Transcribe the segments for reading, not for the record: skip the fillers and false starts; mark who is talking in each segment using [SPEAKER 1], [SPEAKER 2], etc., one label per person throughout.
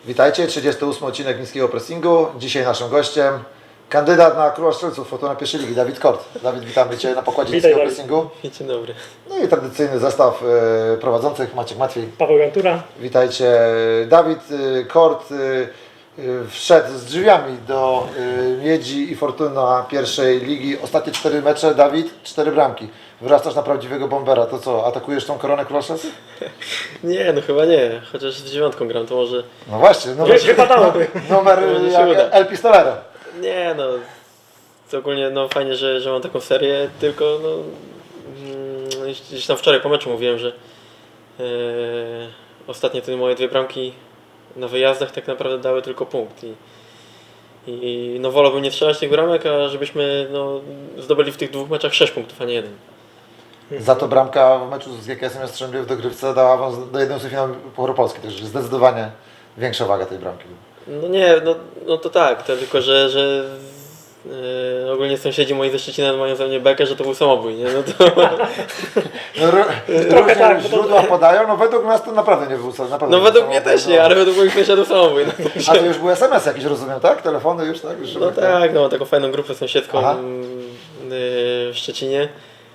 [SPEAKER 1] Witajcie, 38 odcinek Niskiego Pressingu. Dzisiaj naszym gościem kandydat na Króla Strzelców Fortuna pierwszej ligi, Dawid Kort. Dawid, witamy Cię na pokładzie Niskiego Pressingu.
[SPEAKER 2] Dzień dobry.
[SPEAKER 1] No i tradycyjny zestaw prowadzących, Maciek Matwiej.
[SPEAKER 3] Paweł Gantura.
[SPEAKER 1] Witajcie. Dawid Kort wszedł z drzwiami do Miedzi i Fortuna pierwszej ligi. Ostatnie 4 mecze, Dawid, 4 bramki. Wyrastasz na prawdziwego bombera. To co, atakujesz tą koronę Króla Strzelców?
[SPEAKER 2] Nie, no chyba nie. Chociaż z 9 gram, to może...
[SPEAKER 1] No właśnie,
[SPEAKER 3] Wypadałoby.
[SPEAKER 1] Numer jak El Pistolero.
[SPEAKER 2] Nie, no... To ogólnie no, fajnie, że mam taką serię, tylko no... Gdzieś tam wczoraj po meczu mówiłem, że ostatnie te moje 2 bramki na wyjazdach tak naprawdę dały tylko punkt. I no wolałbym nie strzelać tych bramek, a żebyśmy no, zdobyli w tych 2 meczach 6 punktów, a nie 1.
[SPEAKER 1] Za to bramka w meczu z GKS-em Jastrzębie w dogrywce dała awans do 1/8 finału Pucharu Polski, także zdecydowanie większa waga tej bramki.
[SPEAKER 2] No nie, no to tak, to tylko że ogólnie sąsiedzi moi ze Szczecina mają ze mnie bekę, że to był samobój, nie? No to...
[SPEAKER 1] No, różnie
[SPEAKER 3] tak,
[SPEAKER 1] źródła podają, no według nas to naprawdę nie był naprawdę
[SPEAKER 2] No
[SPEAKER 1] nie
[SPEAKER 2] według
[SPEAKER 1] był
[SPEAKER 2] mnie
[SPEAKER 1] samobój,
[SPEAKER 2] też nie, ale według moich sąsiadów samobój. No,
[SPEAKER 1] A to już był SMS jakiś, rozumiem, tak? Telefony już, tak? Już
[SPEAKER 2] no tak, no mam taką fajną grupę sąsiedzką
[SPEAKER 1] Aha.
[SPEAKER 2] w Szczecinie.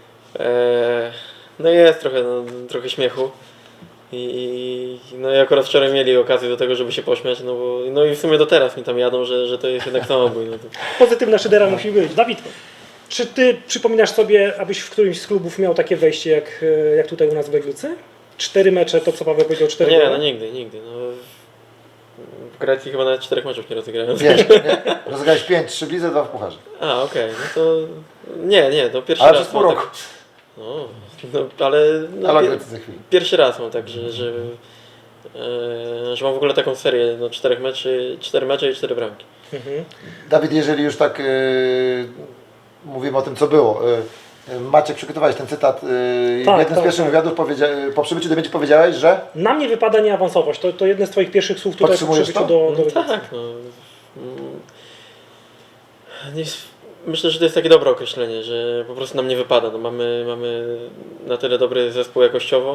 [SPEAKER 2] No jest trochę śmiechu. No i akurat wczoraj mieli okazję do tego, żeby się pośmiać, no i w sumie do teraz mi tam jadą, że to jest jednak samobój. No to...
[SPEAKER 3] Pozytywna szydera musi być. Dawid, czy ty przypominasz sobie, abyś w którymś z klubów miał takie wejście jak tutaj u nas w Legnicy? 4 mecze, to co Paweł powiedział, 4
[SPEAKER 2] Nie,
[SPEAKER 3] gole?
[SPEAKER 2] no nigdy. No, w Grecji chyba nawet 4 meczów nie rozegrałem.
[SPEAKER 1] Nie. Rozegrałeś 5, 3 w lidze, 2 w pucharze.
[SPEAKER 2] A, okej, no to... Nie, to pierwszy
[SPEAKER 1] Ale
[SPEAKER 2] raz
[SPEAKER 1] przez pół
[SPEAKER 2] mam
[SPEAKER 1] roku.
[SPEAKER 2] tak... No, ale... No,
[SPEAKER 1] Ale Grecy za chwilę.
[SPEAKER 2] pierwszy raz mam tak, że mam w ogóle taką serię, no 4 mecze i 4 bramki.
[SPEAKER 3] Mhm.
[SPEAKER 1] Dawid, jeżeli już tak mówimy o tym, co było. Maciek, przygotowałeś ten cytat. W jednym z pierwszych wywiadów po przybyciu do Miedzi powiedziałeś, że
[SPEAKER 3] Na mnie wypada nie awansować. To jedne z twoich pierwszych słów tutaj po
[SPEAKER 1] Podtrzymujesz
[SPEAKER 3] przybyciu
[SPEAKER 1] to?
[SPEAKER 3] do Legnicy.
[SPEAKER 2] Tak, no. Myślę, że to jest takie dobre określenie, że po prostu nam nie wypada. No, mamy na tyle dobry zespół jakościowo,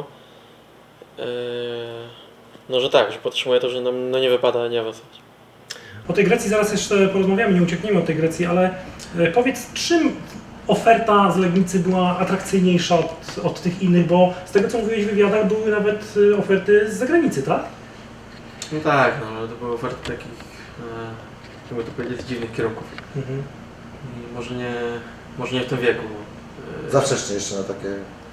[SPEAKER 2] no że tak, że podtrzymuję to, że nam no, nie wypada nie awansować.
[SPEAKER 3] O tej Grecji zaraz jeszcze porozmawiamy, nie uciekniemy od tej Grecji, ale powiedz, czym oferta z Legnicy była atrakcyjniejsza od tych innych, bo z tego co mówiłeś w wywiadach były nawet oferty z zagranicy, tak?
[SPEAKER 2] No tak, no ale to były oferty takich, jakby to powiedzieć, dziwnych kierunków.
[SPEAKER 3] Mhm.
[SPEAKER 2] I może nie w tym wieku.
[SPEAKER 1] za wcześnie jeszcze na takie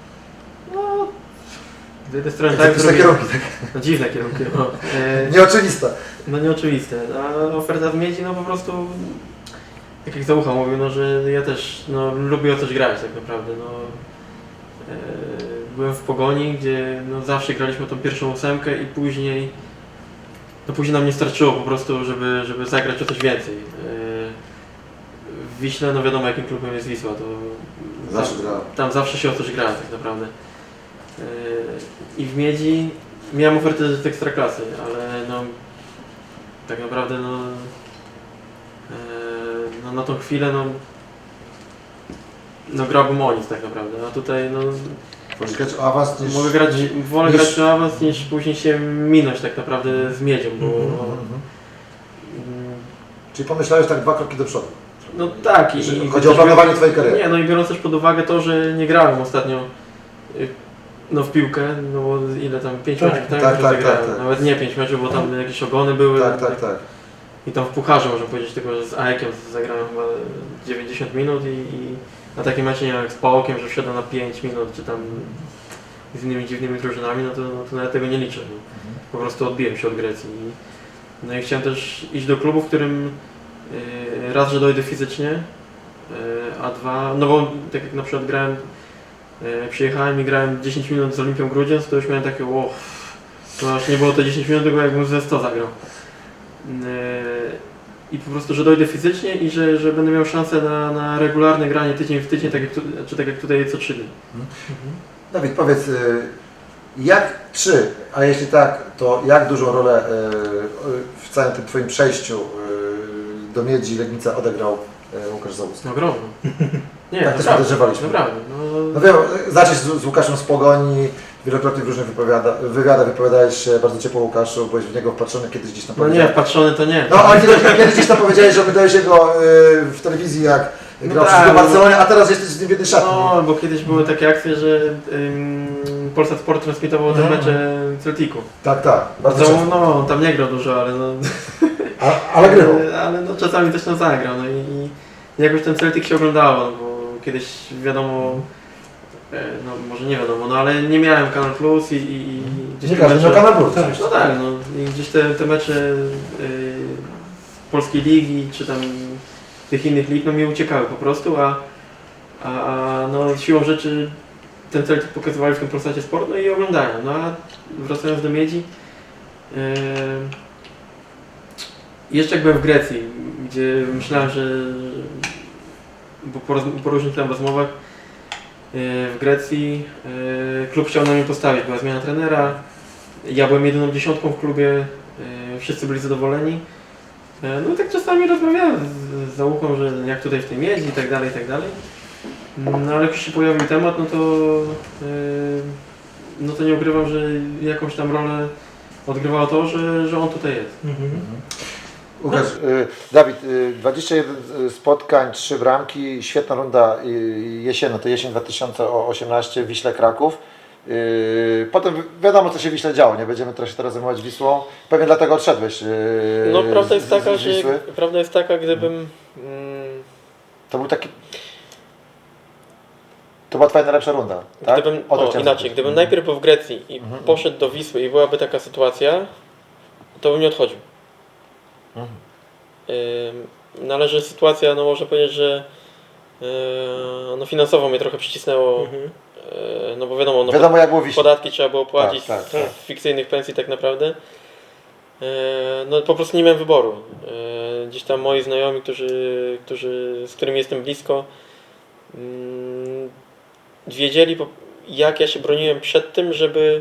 [SPEAKER 2] Z jednej strony
[SPEAKER 1] tak,
[SPEAKER 2] tak,
[SPEAKER 1] kierunki, tak.
[SPEAKER 2] no, dziwne kierunki. No.
[SPEAKER 1] Nieoczywiste.
[SPEAKER 2] No nieoczywiste, a oferta z Miedzi no po prostu, tak jak Załucha mówił, no że ja też no, lubię o coś grać tak naprawdę. No, byłem w Pogoni, gdzie no, zawsze graliśmy tą pierwszą 8 i później nam nie starczyło po prostu, żeby zagrać o coś więcej. W Wiśle, no wiadomo jakim klubem jest Wisła, to
[SPEAKER 1] Zawsze grałem.
[SPEAKER 2] tam zawsze się o coś gra tak naprawdę. I w Miedzi miałem ofertę z Ekstraklasy, ale no tak naprawdę no na tą chwilę no grałbym o nic tak naprawdę, a tutaj no
[SPEAKER 1] Możesz grać o awans niż...
[SPEAKER 2] mogę wolę grać o awans niż później się minąć tak naprawdę z Miedzią, bo
[SPEAKER 1] Czyli pomyślałeś tak 2 kroki do przodu.
[SPEAKER 2] no tak
[SPEAKER 1] Chodzi o planowanie twojej kariery.
[SPEAKER 2] Nie, no i biorąc też pod uwagę to, że nie grałem ostatnio no w piłkę, no bo ile tam 5
[SPEAKER 3] Tak,
[SPEAKER 2] meczów
[SPEAKER 1] tak,
[SPEAKER 2] rozegrałem.
[SPEAKER 1] tak.
[SPEAKER 2] Nawet nie 5 meczów, bo tam jakieś ogony były.
[SPEAKER 1] Tak.
[SPEAKER 2] I tam w pucharze można powiedzieć, tylko że z AEK-iem zagrałem chyba 90 minut i na takim meczu nie wiem, jak z Pałokiem, że wszedłem na 5 minut, czy tam z innymi dziwnymi drużynami, no to nawet tego nie liczę. No. Po prostu odbiłem się od Grecji. No i chciałem też iść do klubu, w którym raz, że dojdę fizycznie, a dwa, no bo tak jak na przykład grałem, przyjechałem i grałem 10 minut z Olimpią Grudziądz, to już miałem takie, to aż nie było to 10 minut, tylko jakbym ze 100 zagrał. I po prostu, że dojdę fizycznie i że będę miał szansę na regularne granie tydzień w tydzień, tak jak tutaj co 3 dni.
[SPEAKER 1] Dawid, powiedz, a jeśli tak, to jak dużą rolę w całym tym Twoim przejściu do Miedzi Legnica odegrał Łukasz Załuski?
[SPEAKER 2] No ogromną. Nie,
[SPEAKER 1] Tak też podejrzewaliśmy.
[SPEAKER 2] Naprawdę.
[SPEAKER 1] No wiem, zacząć z Łukaszem z Pogoni, Wielokrotnie w różnych wywiadach wypowiadałeś się bardzo ciepło o Łukaszu, byłeś w niego wpatrzony, kiedyś gdzieś tam
[SPEAKER 2] No nie,
[SPEAKER 1] powiedziałeś.
[SPEAKER 2] wpatrzony to nie.
[SPEAKER 1] No, ale kiedyś gdzieś tam powiedziałeś, że oglądałeś jego w telewizji, jak grał
[SPEAKER 2] tak,
[SPEAKER 1] w Barcelonie, a teraz jesteś z nim w jednej szatni.
[SPEAKER 2] No, bo kiedyś były takie akcje, że Polsat Sport transmitował te mecze Celticu.
[SPEAKER 1] Tak, bardzo często.
[SPEAKER 2] No, on tam nie grał dużo, ale no...
[SPEAKER 1] Ale grywał.
[SPEAKER 2] Ale no, czasami też tam zagrał, no i jakoś ten Celtic się oglądało, no, bo kiedyś wiadomo, no może nie wiadomo, no ale nie miałem Kanal Plus i gdzieś
[SPEAKER 1] Nie
[SPEAKER 2] te
[SPEAKER 1] każdy
[SPEAKER 2] mecze...
[SPEAKER 1] miał Kanal Plus.
[SPEAKER 2] No tak, no i gdzieś te mecze Polskiej Ligi, czy tam tych innych lig, no mi uciekały po prostu, a no siłą rzeczy ten Celtic pokazywali w tym Polsacie Sport, no i oglądałem, no a wracając do Miedzi, jeszcze jak byłem w Grecji, gdzie myślałem, że bo po różnych tam rozmowach w Grecji klub chciał na mnie postawić, była zmiana trenera, ja byłem jedyną dziesiątką w klubie, wszyscy byli zadowoleni. No i tak czasami rozmawiałem z Załuchą, że jak tutaj w tej Miedzi i tak dalej, i tak dalej. No ale jak już się pojawił temat, no to nie ukrywam, że jakąś tam rolę odgrywało to, że on tutaj jest.
[SPEAKER 1] Łukasz, Dawid, 21 spotkań, 3 bramki, świetna runda jesienna, to jesień 2018 w Wiśle Kraków. Potem wiadomo, co się w Wiśle działo, nie będziemy teraz zajmować Wisłą. Pewnie dlatego odszedłeś.
[SPEAKER 2] No prawda jest taka,
[SPEAKER 1] z Wisły.
[SPEAKER 2] prawda jest taka, gdybym...
[SPEAKER 1] To był taki... To była twoja najlepsza runda, tak?
[SPEAKER 2] Gdybym najpierw był w Grecji i poszedł do Wisły i byłaby taka sytuacja, to bym nie odchodził. Należy sytuacja, no można powiedzieć, że no finansowo mnie trochę przycisnęło, no bo wiadomo,
[SPEAKER 1] Wiadomo jak było w Wiśle.
[SPEAKER 2] podatki trzeba było płacić
[SPEAKER 1] Tak.
[SPEAKER 2] z fikcyjnych pensji tak naprawdę. No po prostu nie miałem wyboru. Gdzieś tam moi znajomi, z którymi jestem blisko, wiedzieli jak ja się broniłem przed tym, żeby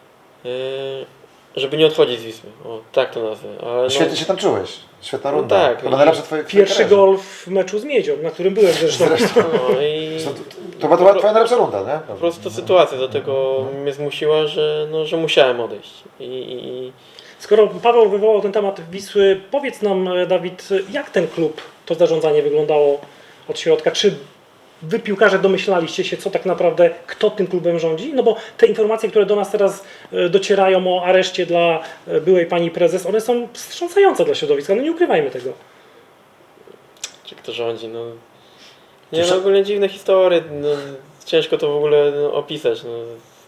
[SPEAKER 2] nie odchodzić z Wisły. O, tak to nazwę. Ale
[SPEAKER 1] Świetnie się tam czułeś. Świetna runda.
[SPEAKER 2] tak.
[SPEAKER 1] Chyba najlepsza twoja
[SPEAKER 3] Pierwszy
[SPEAKER 1] karierze.
[SPEAKER 3] gol w meczu z Miedzią, na którym byłem zresztą.
[SPEAKER 2] no i
[SPEAKER 1] To była twoja najlepsza runda, nie?
[SPEAKER 2] po prostu sytuacja do tego mnie zmusiła, że musiałem odejść.
[SPEAKER 3] Skoro Paweł wywołał ten temat Wisły, powiedz nam, Dawid, jak ten klub, to zarządzanie wyglądało od środka? Czy wy piłkarze domyślaliście się, co tak naprawdę, kto tym klubem rządzi? No bo te informacje, które do nas teraz docierają o areszcie dla byłej pani prezes, one są wstrząsające dla środowiska, no nie ukrywajmy tego.
[SPEAKER 2] Czy kto rządzi? No, nie, no ogólnie dziwne historie, no, ciężko to w ogóle opisać. No.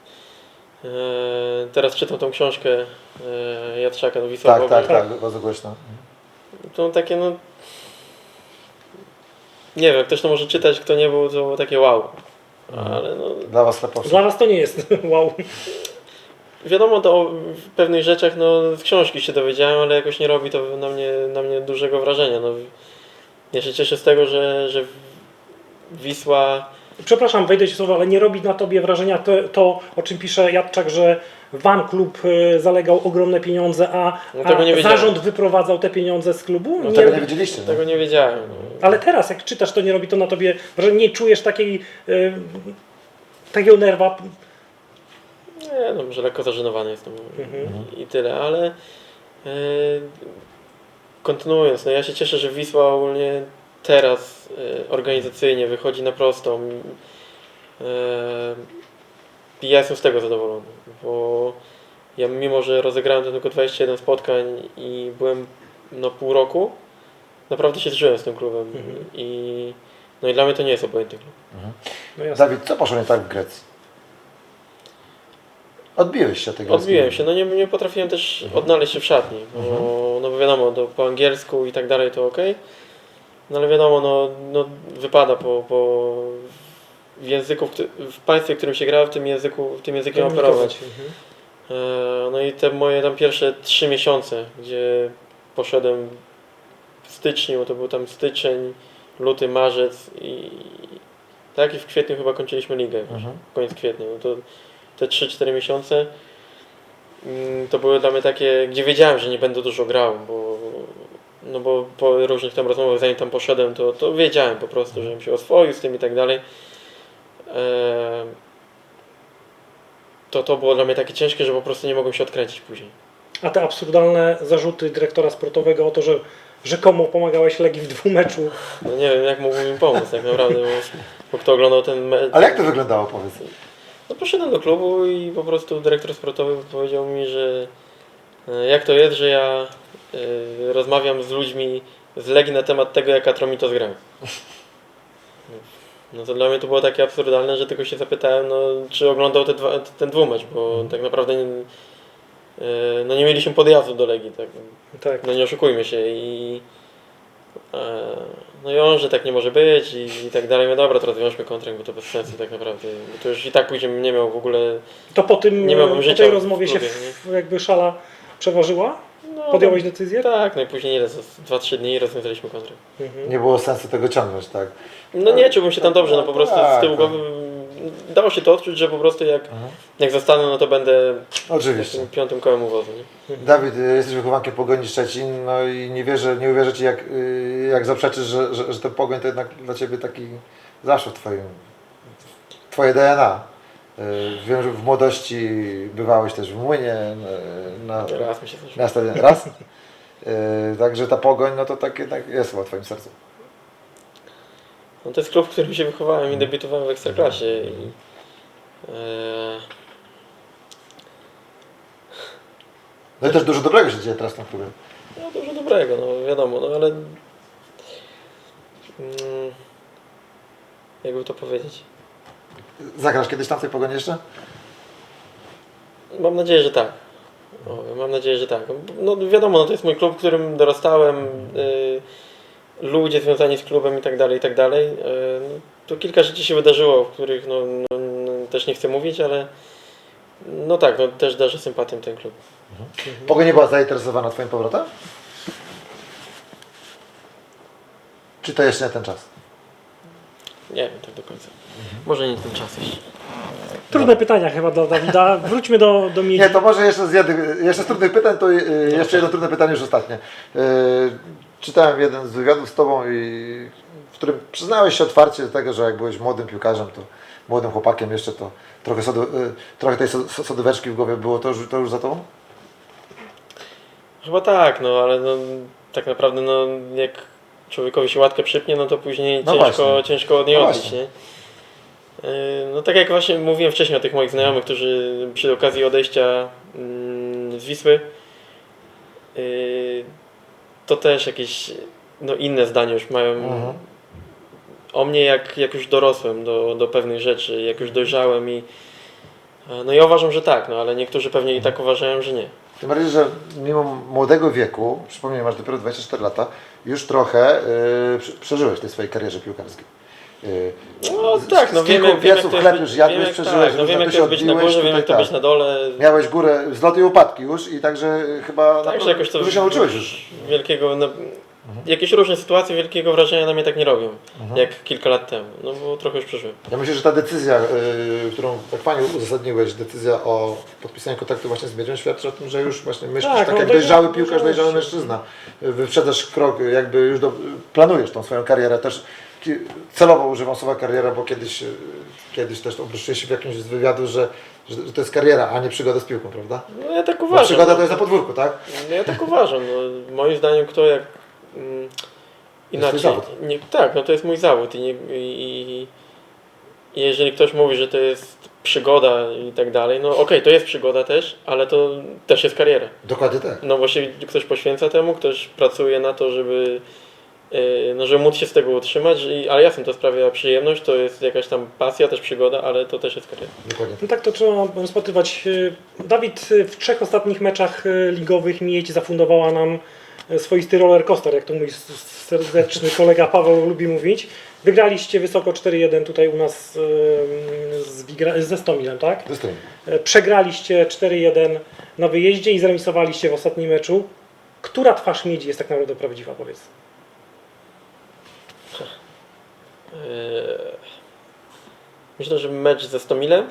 [SPEAKER 2] Teraz czytam tą książkę Jadczaka, no Wisła Boga.
[SPEAKER 1] Tak, bardzo głośno.
[SPEAKER 2] To takie no... Nie wiem, ktoś to może czytać, kto nie był, to było takie wow. Ale no...
[SPEAKER 1] Dla was leposze.
[SPEAKER 3] Dla was to nie jest wow.
[SPEAKER 2] Wiadomo, to o pewnych rzeczach no, z książki się dowiedziałem, ale jakoś nie robi to na mnie dużego wrażenia. No, ja się cieszę z tego, że Wisła...
[SPEAKER 3] Przepraszam, wejdę ci słowo, ale nie robi na tobie wrażenia to o czym pisze Jadczak, że wam klub zalegał ogromne pieniądze, a
[SPEAKER 2] tego nie wiedziałem.
[SPEAKER 3] zarząd wyprowadzał te pieniądze z klubu?
[SPEAKER 1] No tego nie wiedzieliście.
[SPEAKER 2] Tego nie wiedziałem. No.
[SPEAKER 3] Ale teraz, jak czytasz, to nie robi to na tobie wrażenia? Nie czujesz takiego nerwa?
[SPEAKER 2] Nie, no może lekko zażenowany jestem i tyle, ale kontynuując, no ja się cieszę, że Wisła ogólnie teraz organizacyjnie wychodzi na prostą. I ja jestem z tego zadowolony, bo ja mimo, że rozegrałem tylko 21 spotkań i byłem no pół roku, naprawdę się zżyłem z tym klubem i dla mnie to nie jest obojętny klub.
[SPEAKER 3] No jasne.
[SPEAKER 1] Dawid, co poszło nie tak w Grecji? Odbiłeś się od tego.
[SPEAKER 2] Odbiłem się, no nie potrafiłem też odnaleźć się w szatni, bo wiadomo, po angielsku i tak dalej to ok, no ale wiadomo, no wypada w języku, w państwie, w którym się gra, tym językiem operować. No i te moje tam pierwsze 3 miesiące, gdzie poszedłem w styczniu, to był tam styczeń, luty, marzec i tak i w kwietniu chyba kończyliśmy ligę, koniec kwietnia. No to te 3-4 miesiące to były dla mnie takie, gdzie wiedziałem, że nie będę dużo grał, bo po różnych tam rozmowach, zanim tam poszedłem, to wiedziałem po prostu, żebym się oswoił z tym i tak dalej. to było dla mnie takie ciężkie, że po prostu nie mogłem się odkręcić później.
[SPEAKER 3] A te absurdalne zarzuty dyrektora sportowego o to, że rzekomo pomagałeś Legii w dwumeczu.
[SPEAKER 2] No nie wiem, jak mógłbym im pomóc tak naprawdę, bo kto oglądał ten mecz...
[SPEAKER 1] Ale jak to wyglądało, powiedz?
[SPEAKER 2] No poszedłem do klubu i po prostu dyrektor sportowy powiedział mi, że jak to jest, że ja rozmawiam z ludźmi z Legii na temat tego, jak Atromitos grał. No to dla mnie to było takie absurdalne, że tylko się zapytałem, no, czy oglądał ten dwumecz, bo tak naprawdę no nie mieliśmy podjazdu do Legii, tak.
[SPEAKER 3] Tak.
[SPEAKER 2] No nie oszukujmy się no i on, że tak nie może być i tak dalej. No dobra, to rozwiążmy kontrakt, bo to bez sensu tak naprawdę. Bo to już i tak później nie miał w ogóle...
[SPEAKER 3] To po tym,
[SPEAKER 2] Nie miałbym
[SPEAKER 3] po
[SPEAKER 2] życia
[SPEAKER 3] tej
[SPEAKER 2] w
[SPEAKER 3] rozmowie
[SPEAKER 2] klubie,
[SPEAKER 3] się jakby szala przeważyła?
[SPEAKER 2] No,
[SPEAKER 3] Podjąłeś decyzję?
[SPEAKER 2] Tak, no i później ile? Za 2-3 dni rozwiązaliśmy kontrakt.
[SPEAKER 3] Mhm.
[SPEAKER 1] Nie było sensu tego ciągnąć, tak?
[SPEAKER 2] No nie czułbym się tam dobrze, no po prostu z tyłu
[SPEAKER 1] Tak,
[SPEAKER 2] głowy dało się to odczuć, że po prostu jak zostanę, no to będę
[SPEAKER 1] Oczywiście.
[SPEAKER 2] takim piątym kołem uwozu, nie?
[SPEAKER 1] Dawid, jesteś wychowankiem Pogoni Szczecin, no i nie uwierzę Ci, jak zaprzeczysz, że ten Pogoń to jednak dla Ciebie taki zawsze Twoje DNA. Wiem, że w młodości bywałeś też w Młynie,
[SPEAKER 2] Raz mi się zdarzyło.
[SPEAKER 1] na stadionie. Raz? Także ta Pogoń, no to tak jednak jest chyba w Twoim sercu.
[SPEAKER 2] No to jest klub, w którym się wychowałem i debiutowałem w Ekstraklasie
[SPEAKER 1] No i też dużo dobrego się dzieje teraz w tym klubie.
[SPEAKER 2] no dużo dobrego, no wiadomo, no ale jakby to powiedzieć.
[SPEAKER 1] Zagrasz kiedyś tam w tej Pogoni jeszcze?
[SPEAKER 2] Mam nadzieję, że tak. Mam nadzieję, że tak. No wiadomo, no to jest mój klub, w którym dorastałem, ludzie związani z klubem i tak dalej, i tak dalej. No, to kilka rzeczy się wydarzyło, w których no, też nie chcę mówić, ale no tak, no też darzę sympatią ten klub.
[SPEAKER 1] Pogoń nie była zainteresowana Twoim powrotem? Czy to jeszcze nie ten czas?
[SPEAKER 2] Nie wiem tak do końca. Może nie ten czas jeszcze.
[SPEAKER 3] Trudne pytania chyba dla Dawida. Wróćmy do Miedzi.
[SPEAKER 1] Nie, to może jeszcze z trudnych pytań, to jeszcze jedno trudne pytanie, już ostatnie. Czytałem jeden z wywiadów z Tobą, w którym przyznałeś się otwarcie do tego, że jak byłeś młodym piłkarzem, to młodym chłopakiem jeszcze, to trochę tej sodóweczki w głowie było, to już za Tobą?
[SPEAKER 2] Chyba tak, no ale no, tak naprawdę no, jak człowiekowi się łatkę przypnie, no to później
[SPEAKER 1] No
[SPEAKER 2] ciężko od niej
[SPEAKER 1] No
[SPEAKER 2] odbić,
[SPEAKER 1] właśnie.
[SPEAKER 2] nie? No tak jak właśnie mówiłem wcześniej o tych moich znajomych, którzy przy okazji odejścia z Wisły, to też jakieś no, inne zdanie już mają o mnie, jak już dorosłem do pewnych rzeczy, jak już dojrzałem no ja uważam, że tak, no ale niektórzy pewnie i tak uważają, że nie.
[SPEAKER 1] Tym bardziej, że mimo młodego wieku, przypomnij, masz dopiero 24 lata, już trochę przeżyłeś w tej swojej karierze piłkarskiej.
[SPEAKER 2] No tak, no wiem jak to jest
[SPEAKER 1] chleb już jadłeś, przeżyłeś,
[SPEAKER 2] tak, no wiem jak
[SPEAKER 1] się
[SPEAKER 2] to jest być na
[SPEAKER 1] odbiłeś,
[SPEAKER 2] górze, wiem jak to
[SPEAKER 1] tutaj
[SPEAKER 2] być na dole.
[SPEAKER 1] Miałeś górę, wzloty i upadki już i także chyba
[SPEAKER 2] Tak, że jakoś to
[SPEAKER 1] dużo się nauczyłeś już.
[SPEAKER 2] wielkiego, no, jakieś różne sytuacje wielkiego wrażenia na mnie tak nie robią, jak kilka lat temu, no bo trochę już przeżyłem.
[SPEAKER 1] Ja myślę, że ta decyzja, którą tak Panią uzasadniłeś, decyzja o podpisaniu kontaktu właśnie z Miedzią, świadczy o tym, że już właśnie myślisz
[SPEAKER 3] Tak,
[SPEAKER 1] tak
[SPEAKER 3] no
[SPEAKER 1] jak
[SPEAKER 3] dojrzały
[SPEAKER 1] dojrzały piłkarz, dojrzały mężczyzna. Wyprzedzasz krok, jakby już planujesz tą swoją karierę też. Celowo używam słowa kariera, bo kiedyś też obruszyłeś się w jakimś z wywiadu, że to jest kariera, a nie przygoda z piłką, prawda?
[SPEAKER 2] No ja tak
[SPEAKER 1] Bo
[SPEAKER 2] uważam.
[SPEAKER 1] przygoda
[SPEAKER 2] no,
[SPEAKER 1] to jest na podwórku, tak?
[SPEAKER 2] No ja tak uważam, no, moim zdaniem kto jak inaczej.
[SPEAKER 1] twój zawód.
[SPEAKER 2] Tak, no to jest mój zawód i jeżeli ktoś mówi, że to jest przygoda i tak dalej, no okej, to jest przygoda też, ale to też jest kariera.
[SPEAKER 1] Dokładnie tak.
[SPEAKER 2] No bo się ktoś poświęca temu, ktoś pracuje na to, żeby żeby móc się z tego utrzymać, ale jasne, to sprawia przyjemność, to jest jakaś tam pasja, też przygoda, ale to też jest kariera.
[SPEAKER 1] Dokładnie.
[SPEAKER 3] No tak to trzeba rozpatrywać. Dawid w 3 ostatnich meczach ligowych Miedź zafundowała nam swoisty roller coaster, jak to mój serdeczny kolega Paweł lubi mówić. Wygraliście wysoko 4-1 tutaj u nas ze Stomilem, tak?
[SPEAKER 1] Dostojnie.
[SPEAKER 3] Przegraliście 4-1 na wyjeździe i zremisowaliście w ostatnim meczu. Która twarz Miedzi jest tak naprawdę prawdziwa, powiedz?
[SPEAKER 2] Myślę, że mecz ze Stomilem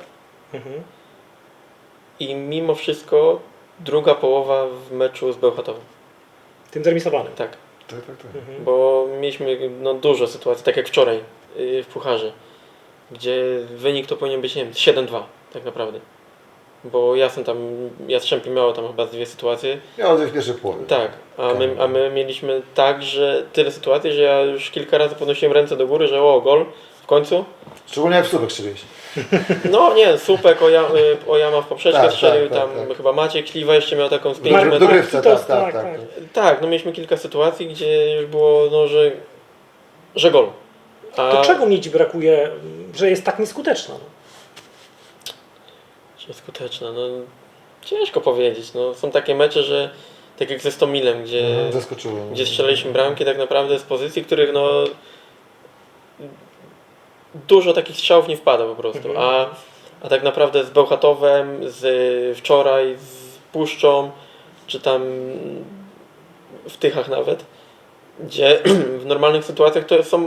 [SPEAKER 2] i mimo wszystko druga połowa w meczu z Bełchatowem.
[SPEAKER 3] Tym zremisowanym.
[SPEAKER 2] Tak,
[SPEAKER 1] Tak.
[SPEAKER 2] bo mieliśmy no, dużo sytuacji, tak jak wczoraj w Pucharze, gdzie wynik to powinien być, nie wiem, 7-2 tak naprawdę. bo Jastrzębie miało tam chyba 2 sytuacje.
[SPEAKER 1] Miało w pierwszej połowie.
[SPEAKER 2] Tak, a my mieliśmy tak, że tyle sytuacji, że ja już kilka razy podnosiłem ręce do góry, że gol w końcu.
[SPEAKER 1] Szczególnie jak w Słupek strzeliłeś.
[SPEAKER 2] No nie, Słupek Ojama w poprzeczkę
[SPEAKER 1] Tak,
[SPEAKER 2] strzelił,
[SPEAKER 1] tak,
[SPEAKER 2] tam
[SPEAKER 1] tak.
[SPEAKER 2] chyba Maciek Śliwa jeszcze miał taką z 5
[SPEAKER 3] Marek
[SPEAKER 2] metrów.
[SPEAKER 1] Dogrywce,
[SPEAKER 3] Kitos,
[SPEAKER 1] tak.
[SPEAKER 2] Tak, no mieliśmy kilka sytuacji, gdzie już było, no, że gol.
[SPEAKER 3] To czego Miedzi brakuje, że jest tak nieskuteczna?
[SPEAKER 2] Czy skuteczna? No ciężko powiedzieć. No, są takie mecze, że tak jak ze Stomilem,
[SPEAKER 1] Zaskoczyło.
[SPEAKER 2] gdzie strzelaliśmy bramki tak naprawdę z pozycji, których no dużo takich strzałów nie wpada po prostu. A tak naprawdę z Bełchatowem, z wczoraj, z Puszczą, czy tam w Tychach nawet, gdzie w normalnych sytuacjach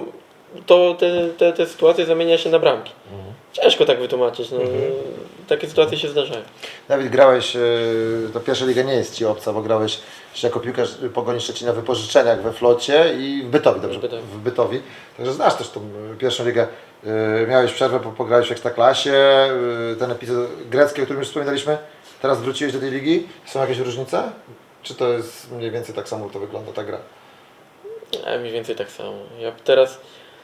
[SPEAKER 2] te sytuacje zamienia się na bramki. Ciężko tak wytłumaczyć. No, takie sytuacje się zdarzają.
[SPEAKER 1] Dawid, grałeś, to pierwsza liga nie jest Ci obca, bo grałeś jako piłkarz Pogoni Szczecina w wypożyczeniach we Flocie i w Bytowi, dobrze? W Bytowi. Także znasz też tą pierwszą ligę. Miałeś przerwę, pograłeś w Ekstraklasie, ten epizod grecki, o którym już wspominaliśmy. Teraz wróciłeś do tej ligi. Są jakieś różnice? Czy to jest mniej więcej tak samo to wygląda ta gra?
[SPEAKER 2] Mniej więcej tak samo. Ja teraz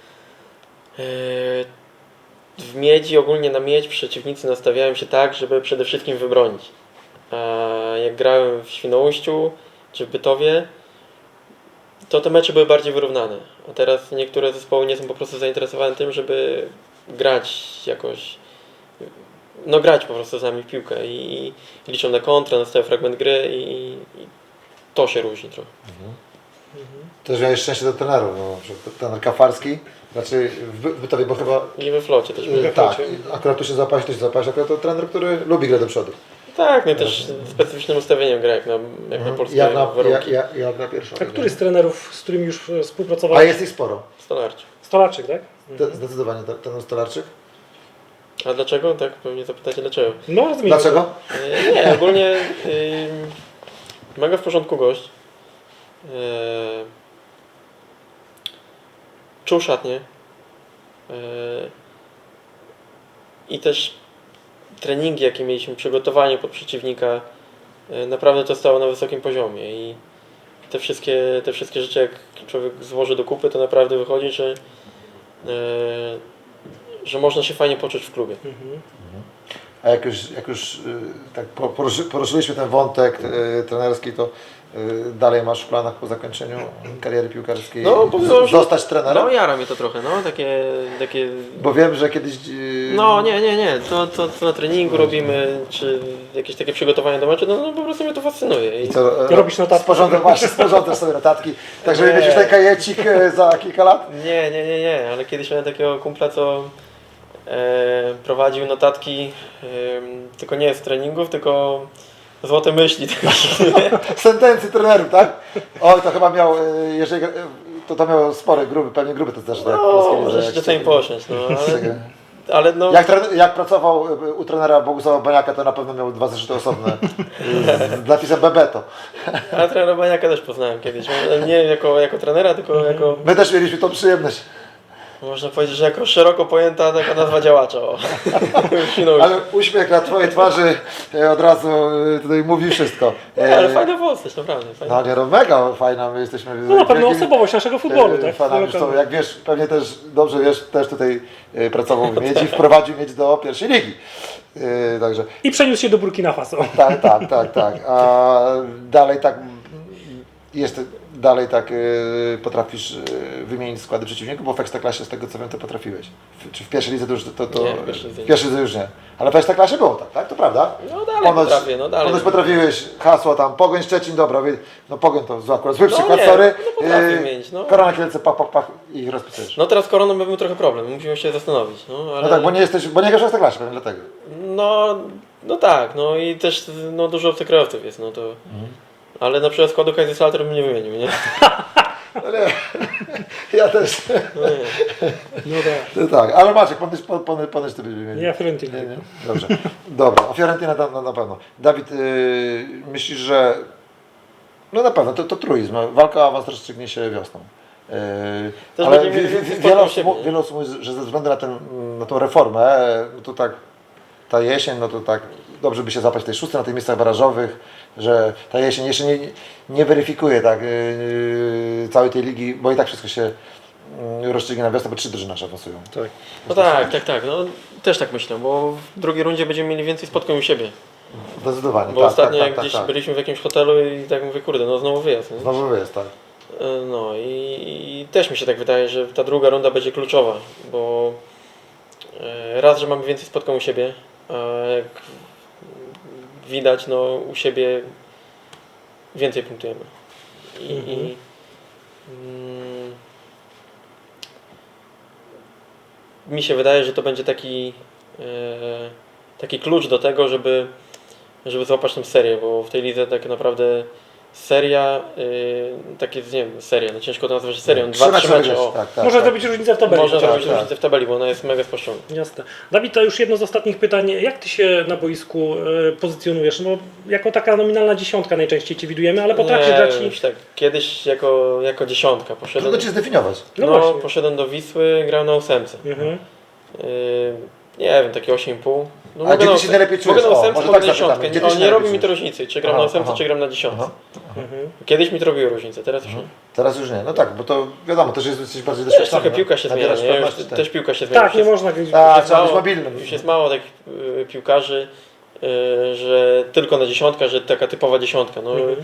[SPEAKER 2] w Miedzi, ogólnie na Miedź przeciwnicy nastawiają się tak, żeby przede wszystkim wybronić. A jak grałem w Świnoujściu czy w Bytowie, to te mecze były bardziej wyrównane. A teraz niektóre zespoły nie są po prostu zainteresowane tym, żeby grać jakoś, no grać po prostu z nami w piłkę i liczą na kontrę, na stały fragment gry i to się różni trochę.
[SPEAKER 1] Też miałeś szczęście do trenerów, no, na przykład trener Kafarski, znaczy w Bytowie, bo chyba...
[SPEAKER 2] I we Flocie też były.
[SPEAKER 1] Tak, akurat tu się załapałeś, akurat to trener, który lubi grę do przodu.
[SPEAKER 2] Tak, no i też specyficznym ustawieniem gra jak na polskie warunki.
[SPEAKER 1] Jak na pierwszą.
[SPEAKER 3] A który z trenerów, z którymi już współpracowałeś?
[SPEAKER 1] A jest ich sporo.
[SPEAKER 2] Stolarczy.
[SPEAKER 3] Stolarczyk, tak?
[SPEAKER 1] Zdecydowanie ten Stolarczyk.
[SPEAKER 2] A dlaczego? Tak, pewnie zapytacie dlaczego.
[SPEAKER 3] No, rozumiem.
[SPEAKER 1] Dlaczego?
[SPEAKER 2] Nie, ogólnie mega w porządku gość. Czuł szatnię. I też treningi, jakie mieliśmy, przygotowanie pod przeciwnika, naprawdę to stało na wysokim poziomie. I te wszystkie rzeczy, jak człowiek złoży do kupy, to naprawdę wychodzi, że można się fajnie poczuć w klubie.
[SPEAKER 1] A jak już tak poruszyliśmy ten wątek trenerski, to dalej masz w planach po zakończeniu kariery piłkarskiej zostać trenerem?
[SPEAKER 2] No jara mnie to trochę, no takie...
[SPEAKER 1] Bo wiem, że kiedyś...
[SPEAKER 2] No nie, to co na treningu robimy, czy jakieś takie przygotowania do meczu, no po prostu mnie to fascynuje.
[SPEAKER 1] I co,
[SPEAKER 3] robisz notatki?
[SPEAKER 1] Sporządzasz sobie notatki, tak żeby mieć już ten kajecik za kilka lat?
[SPEAKER 2] Nie, ale kiedyś miałem takiego kumpla, co prowadził notatki tylko nie z treningów, tylko złote myśli.
[SPEAKER 1] Sentencji trenerów, tak? Oj, to chyba miał, jeżeli to miał spory, pewnie gruby to też.
[SPEAKER 2] No, może się czasami posiąść, no, ale no...
[SPEAKER 1] Jak pracował u trenera Bogusława Baniaka, to na pewno miał 2 zeszyty osobne z napisem Bebeto.
[SPEAKER 2] A trenera Baniaka też poznałem kiedyś, nie jako trenera, tylko jako...
[SPEAKER 1] My też mieliśmy tą przyjemność.
[SPEAKER 2] Można powiedzieć, że jako szeroko pojęta taka nazwa działacza.
[SPEAKER 1] Ale uśmiech na Twojej twarzy od razu tutaj mówi wszystko.
[SPEAKER 2] Ale fajna postać, naprawdę. Fajna.
[SPEAKER 1] No nie, no mega fajna, my jesteśmy...
[SPEAKER 3] No na pewno osobowość naszego futbolu, tak?
[SPEAKER 1] Fanami, jak wiesz, pewnie też dobrze wiesz, też tutaj pracował w Miedzi, wprowadził Miedź do pierwszej ligi. Także...
[SPEAKER 3] I przeniósł się do Burkina Faso.
[SPEAKER 1] Tak. A dalej tak jest... Dalej tak potrafisz wymienić składy przeciwników, bo w Ekstraklasie z tego co wiem to potrafiłeś. Czy w pierwszej lidze to już
[SPEAKER 2] Nie,
[SPEAKER 1] w pierwszej lidze już nie. Ale w Ekstraklasie było tak? To prawda?
[SPEAKER 2] No dalej potrafię, dalej.
[SPEAKER 1] Ponoć potrafiłeś hasło tam Pogoń Szczecin, dobra, no Pogoń to akurat zły przykład,
[SPEAKER 2] nie,
[SPEAKER 1] sorry.
[SPEAKER 2] no potrafię mieć, no.
[SPEAKER 1] Korona Kielce, pach i ich rozpisujesz.
[SPEAKER 2] No teraz koroną był trochę problem, musimy się zastanowić. Ale...
[SPEAKER 1] No tak, bo nie grasz w Ekstraklasie, pewnie dlatego.
[SPEAKER 2] No tak, no i też dużo obcokrajowców jest, no to... Ale na przykład składu Kaiserslautern bym nie wymienił, nie?
[SPEAKER 1] Ale ja też.
[SPEAKER 3] No tak.
[SPEAKER 1] No tak, ale Maciek, ponoć ty byś wymienił.
[SPEAKER 3] Ja Fiorentina.
[SPEAKER 1] Nie? Dobrze. Dobra, o Fiorentina na pewno. Dawid, myślisz, że no na pewno to truizm, walka o awans rozstrzygnie się wiosną. Ale wiele osób mówi, że ze względu na tą reformę, no to tak ta jesień, no to tak dobrze by się złapać w tej szóstej, na tych miejscach barażowych, że ta jesień jeszcze nie weryfikuje tak, całej tej ligi, bo i tak wszystko się rozstrzygnie na wiosnę, bo 3 drużyny nasze awansują.
[SPEAKER 3] Tak.
[SPEAKER 2] No tak, no też tak myślę, bo w drugiej rundzie będziemy mieli więcej spotkań u siebie.
[SPEAKER 1] Zdecydowanie,
[SPEAKER 2] Bo ostatnio jak gdzieś byliśmy w jakimś hotelu i tak mówię, kurde, no znowu wyjazd. Nie?
[SPEAKER 1] Znowu jest, tak.
[SPEAKER 2] No i też mi się tak wydaje, że ta druga runda będzie kluczowa, bo raz, że mamy więcej spotkań u siebie, a jak widać, no u siebie więcej punktujemy. Mi się wydaje, że to będzie taki klucz do tego, żeby złapać tę serię, bo w tej lidze tak naprawdę seria, takie, nie wiem, seria, no ciężko to nazwać serią, 2-3 mecze, o,
[SPEAKER 3] Może zrobić różnicę w tabeli.
[SPEAKER 2] można
[SPEAKER 3] tak,
[SPEAKER 2] zrobić
[SPEAKER 3] tak.
[SPEAKER 2] różnicę w tabeli, bo ona jest mega spuszczona.
[SPEAKER 3] Jasne. Dawid, to już jedno z ostatnich pytań. Jak Ty się na boisku pozycjonujesz? No, jako taka nominalna dziesiątka najczęściej Cię widujemy, ale potrafisz grać i...
[SPEAKER 2] Już tak, kiedyś jako dziesiątka poszedłem,
[SPEAKER 1] Trudno Cię zdefiniować.
[SPEAKER 3] No właśnie.
[SPEAKER 2] poszedłem do Wisły, grałem na 8.
[SPEAKER 3] Mhm.
[SPEAKER 2] Nie wiem, takie 8,5. No,
[SPEAKER 1] A gdzie Ty się najlepiej czujesz?
[SPEAKER 2] Mogę na
[SPEAKER 1] O,
[SPEAKER 2] 8,
[SPEAKER 1] może
[SPEAKER 2] mogę
[SPEAKER 1] tak
[SPEAKER 2] na
[SPEAKER 1] zapytamy.
[SPEAKER 2] 10.
[SPEAKER 1] Gdzie ty się
[SPEAKER 2] Nie
[SPEAKER 1] najlepiej
[SPEAKER 2] robi mi to
[SPEAKER 1] czujesz?
[SPEAKER 2] różnicy, czy gram
[SPEAKER 1] Aha,
[SPEAKER 2] na 8,
[SPEAKER 1] aha.
[SPEAKER 2] czy gram na 10.
[SPEAKER 1] Aha.
[SPEAKER 3] Mhm.
[SPEAKER 2] Kiedyś mi to robiło różnicę, teraz już nie.
[SPEAKER 1] Teraz już nie, no tak, bo to wiadomo, też jesteś bardziej
[SPEAKER 2] Też
[SPEAKER 1] doświadczony.
[SPEAKER 2] trochę piłka się zmienia,
[SPEAKER 1] Nabierasz
[SPEAKER 2] nie? Już,
[SPEAKER 1] pewności, tak.
[SPEAKER 2] też piłka się zmienia.
[SPEAKER 3] Tak, nie można grać.
[SPEAKER 1] Tak, trzeba być mobilnym.
[SPEAKER 2] Już jest mało takich piłkarzy, że tylko na dziesiątka, że taka typowa dziesiątka. No,
[SPEAKER 3] Mhm.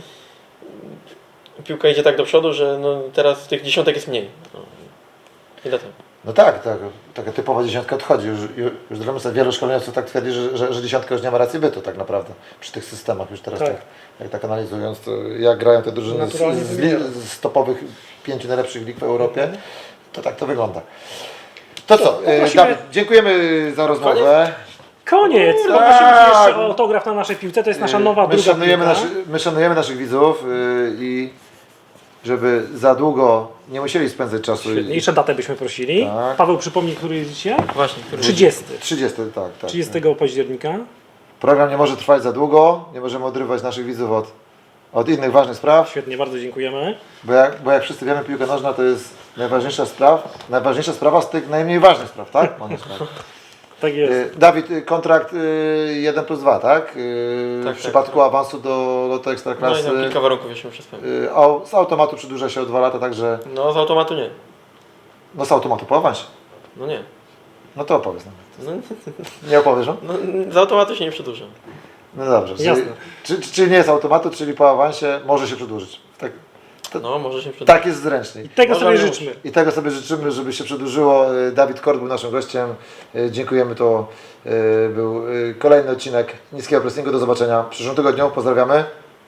[SPEAKER 2] piłka idzie tak do przodu, że no, teraz tych dziesiątek jest mniej. No. I dlatego.
[SPEAKER 1] No tak, taka typowa dziesiątka odchodzi. Już wielu szkoleniowców tak twierdzi, że dziesiątka już nie ma racji bytu tak naprawdę przy tych systemach już teraz
[SPEAKER 3] Tak.
[SPEAKER 1] tak, jak tak analizując, to jak grają te drużyny
[SPEAKER 3] Naturalnie wybiera.
[SPEAKER 1] z topowych 5 najlepszych lig w Europie, to tak to wygląda. To co,
[SPEAKER 3] poprosimy-
[SPEAKER 1] Dawid, dziękujemy za rozmowę.
[SPEAKER 3] Koniec!
[SPEAKER 1] Kurde,
[SPEAKER 3] Poprosimy Cię
[SPEAKER 1] tak.
[SPEAKER 3] jeszcze o autograf na naszej piłce. To jest nasza nowa
[SPEAKER 1] My
[SPEAKER 3] druga
[SPEAKER 1] szanujemy,
[SPEAKER 3] piłka.
[SPEAKER 1] my szanujemy naszych widzów i żeby za długo nie musieli spędzać czasu.
[SPEAKER 3] Świetnie. Jeszcze datę byśmy prosili.
[SPEAKER 1] Tak.
[SPEAKER 3] Paweł, przypomnij, który jest dzisiaj?
[SPEAKER 2] Właśnie, który
[SPEAKER 3] 30.
[SPEAKER 1] 30, tak.
[SPEAKER 3] 30 października.
[SPEAKER 1] Program nie może trwać za długo, nie możemy odrywać naszych widzów od innych ważnych spraw,
[SPEAKER 3] Świetnie, bardzo dziękujemy.
[SPEAKER 1] bo jak wszyscy wiemy, piłka nożna to jest najważniejsza sprawa z tych najmniej ważnych spraw, tak?
[SPEAKER 3] Tak jest.
[SPEAKER 1] Dawid, kontrakt 1+2, tak?
[SPEAKER 2] Tak,
[SPEAKER 1] W przypadku awansu do Loto
[SPEAKER 2] No i
[SPEAKER 1] Ekstraklasy.
[SPEAKER 2] tam kilka warunków jeszcze muszę spełnić.
[SPEAKER 1] Z automatu przedłuża się o 2 lata, także
[SPEAKER 2] No z automatu nie.
[SPEAKER 1] no z automatu po awansie.
[SPEAKER 2] No nie.
[SPEAKER 1] No to opowiedz nam.
[SPEAKER 2] No,
[SPEAKER 1] Nie opowiesz, no?
[SPEAKER 2] no, z automatu się nie przedłuża.
[SPEAKER 1] No dobrze.
[SPEAKER 3] Jasne.
[SPEAKER 1] Czyli nie jest automatu, czyli po awansie może się przedłużyć.
[SPEAKER 2] No może się przedłużyć.
[SPEAKER 1] Tak jest zręczniej.
[SPEAKER 3] Tego
[SPEAKER 2] Może
[SPEAKER 3] sobie
[SPEAKER 2] nie
[SPEAKER 3] życzmy.
[SPEAKER 1] I tego sobie życzymy, żeby się przedłużyło. Dawid Kort był naszym gościem. Dziękujemy, to był kolejny odcinek Niskiego Pressingu. Do zobaczenia w przyszłym tygodniu. Pozdrawiamy.